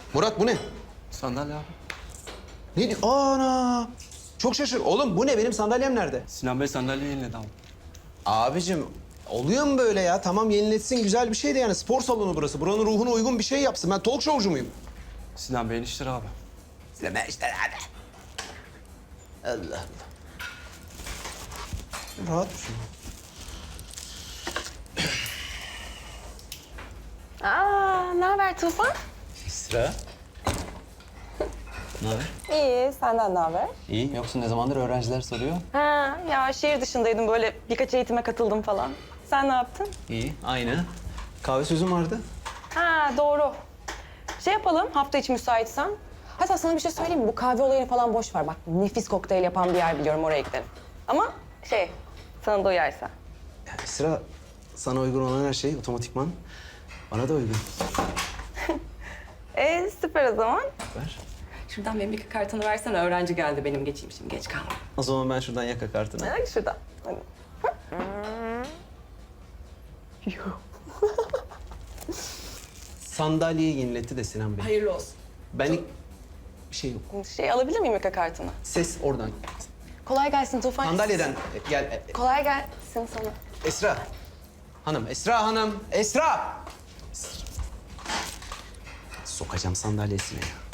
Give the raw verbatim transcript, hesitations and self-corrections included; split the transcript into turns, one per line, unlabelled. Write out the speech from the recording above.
Murat bu ne?
Sandalye abi.
Ne di- Ana! Çok şaşır. Oğlum bu ne? Benim sandalyem nerede?
Sinan Bey sandalye yeniledi abi.
Abicim oluyor mu böyle ya? Tamam yeniletsin güzel bir şey de yani spor salonu burası. Buranın ruhuna uygun bir şey yapsın. Ben talk showcu muyum?
Sinan Bey'in işleri abi.
İzleme işte abi. Allah Allah. Rahat dur şimdi.
Aa, ne haber Tufan?
Esra. Ne haber?
İyi, senden ne haber?
İyi. Yoksa ne zamandır öğrenciler soruyor?
Ha, ya şehir dışındaydım böyle birkaç eğitime katıldım falan. Sen ne yaptın?
İyi. Aynı. Kahve sözüm vardı.
Ha, doğru. Şey yapalım, hafta içi müsaitsen. Hatta sana bir şey söyleyeyim mi? Bu kahve olayını falan boş ver. Bak nefis kokteyl yapan bir yer biliyorum, oraya gidelim. Ama şey, sana da uyarsa.
Ya Esra, sana uygun olan her şey otomatikman bana da uygun.
Ee, süper o zaman.
Ver.
Şuradan benim bir kartını versene. Öğrenci geldi benim, geçeyim şimdi, geç kalma.
O zaman ben şuradan yaka kartını.
Hadi şuradan. Hadi.
Sandalyeyi yeniletti de Sinan Bey.
Hayırlı olsun.
Benlik bir şey yok.
Şey alabilir miyim yaka kartını?
Ses oradan.
Kolay gelsin Tufan.
Sandalyeden gel. E,
Kolay gelsin sana.
Esra. Hanım, Esra Hanım. Esra! Esra. Sokacağım sandalyesine ya.